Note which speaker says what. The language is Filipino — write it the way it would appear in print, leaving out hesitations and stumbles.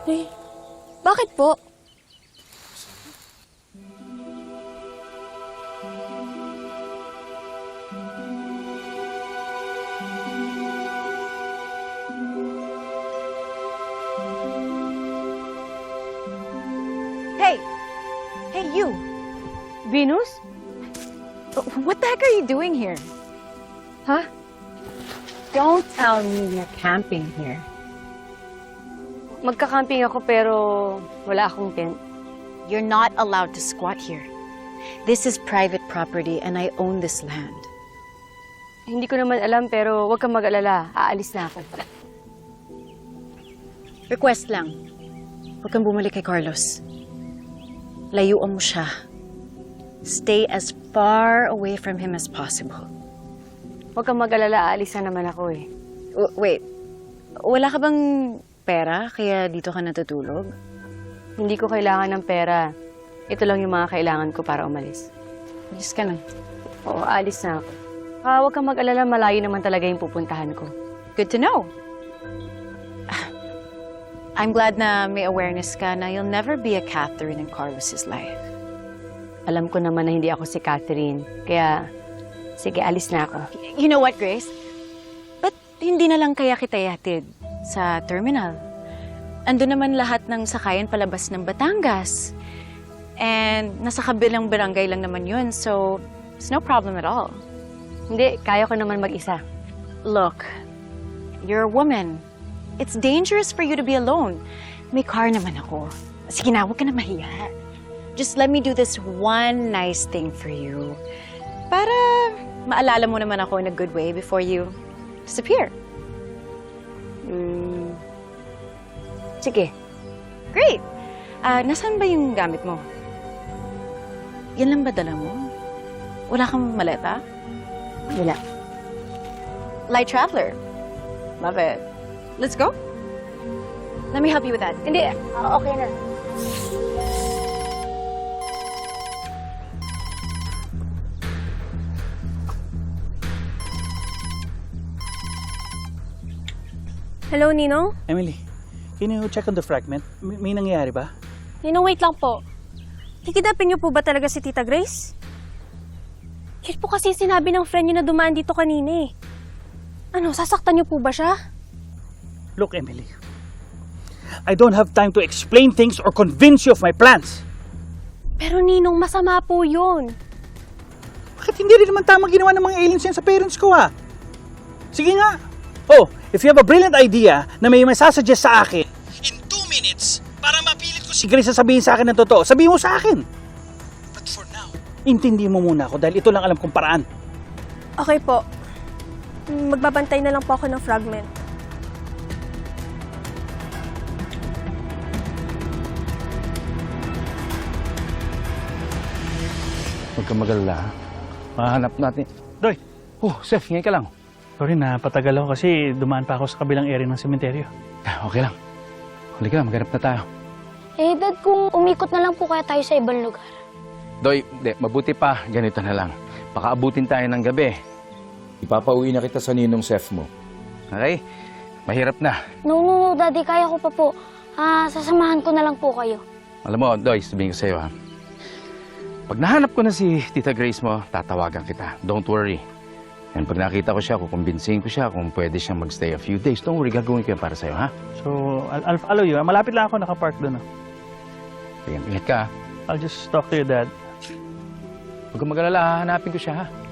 Speaker 1: Eh, bakit po?
Speaker 2: Hey! Hey, you!
Speaker 1: Venus?
Speaker 2: What the heck are you doing here?
Speaker 1: Huh?
Speaker 2: Don't tell me you're camping here.
Speaker 1: Magka-camping ako pero wala akong tent.
Speaker 2: You're not allowed to squat here. This is private property and I own this land.
Speaker 1: Hindi ko naman alam pero huwag kang mag-alala. Aalis na ako.
Speaker 2: Request lang. Huwag kang bumalik kay Carlos. Layuan mo siya. Stay as far away from him as possible.
Speaker 1: Huwag kang mag-alala. Aalis na naman ako eh.
Speaker 2: Wait. Wala ka bang pera kaya dito ka natutulog?
Speaker 1: Hindi ko kailangan ng pera. Ito lang yung mga kailangan ko para umalis.
Speaker 2: Alis ka na.
Speaker 1: Oo, aalis na ako. Huwag kang mag-alala. Malayo naman talaga yung pupuntahan ko.
Speaker 2: Good to know. I'm glad na may awareness ka na you'll never be a Catherine in Carlos's life.
Speaker 1: Alam ko naman na hindi ako si Catherine. Kaya, sige, alis na ako.
Speaker 2: You know what, Grace? Ba't hindi na lang kaya kita ihatid sa terminal? Ando naman lahat ng sakayan palabas ng Batangas. And nasa kabilang barangay lang naman yun, so it's no problem at all.
Speaker 1: Hindi, kaya ko naman mag-isa.
Speaker 2: Look, you're a woman. It's dangerous for you to be alone. May car naman ako. Sige na, huwag ka na mahiya. Just let me do this one nice thing for you. Para maalala mo naman ako in a good way before you disappear.
Speaker 1: Sige.
Speaker 2: Great! Nasaan ba yung gamit mo? Yan lang ba dala mo? Wala kang maleta?
Speaker 1: Wala.
Speaker 2: Light traveler. Love it. Let's go. Let me help you with that.
Speaker 1: Hindi, okay na.
Speaker 3: Hello, Ninong?
Speaker 4: Emily, can you check on the fragment? May nangyayari ba?
Speaker 3: Ninong, wait lang po. Kikidapin niyo po ba talaga si Tita Grace? Yun po kasi sinabi ng friend niyo na dumaan dito kanina eh. Ano, sasaktan niyo po ba siya?
Speaker 4: Look, Emily, I don't have time to explain things or convince you of my plans.
Speaker 3: Pero Ninong, masama po yun.
Speaker 4: Bakit hindi rin naman tamang ginawa ng mga aliens yan sa parents ko, ha? Sige nga. Oh, if you have a brilliant idea na may masasuggest sa akin, in 2 minutes, para mapilit ko si Grace na sabihin sa akin ng totoo, sabihin mo sa akin. But for now, intindi mo muna ako dahil ito lang alam kong paraan.
Speaker 3: Okay po. Magbabantay na lang po ako ng fragment.
Speaker 5: Huwag kang magalala, ha? Mahanap natin.
Speaker 4: Doy,
Speaker 5: Oh, Seth, ngayon ka lang.
Speaker 4: sorry na patagal ako kasi dumaan pa ako sa kabilang area ng sementeryo.
Speaker 5: Okay lang. Huli ka, maghanap na tayo.
Speaker 6: Eh, Dad, kung umikot na lang po kaya tayo sa ibang lugar.
Speaker 5: Doy, mabuti pa, ganito na lang. Baka abutin tayo ng gabi.
Speaker 7: Ipapauwi na kita sa ninong Seth mo.
Speaker 5: Okay? Mahirap na.
Speaker 6: No, Daddy, kaya ko pa po. Sasamahan ko na lang po kayo.
Speaker 5: Alam mo, Doy, sabihin ko sa'yo, ha? Pag nahanap ko na si Tita Grace mo, tatawagan kita. Don't worry. And pag nakita ko siya, kukumbinsihin ko siya kung pwede siyang magstay a few days. Don't worry, gagawin ko yan para sa'yo, ha?
Speaker 4: So, I'll follow you. Malapit lang ako nakapark doon.
Speaker 5: Sige, ingat ka, ha?
Speaker 4: I'll just talk to your dad.
Speaker 5: Huwag kang magalala, hahanapin ko siya, ha?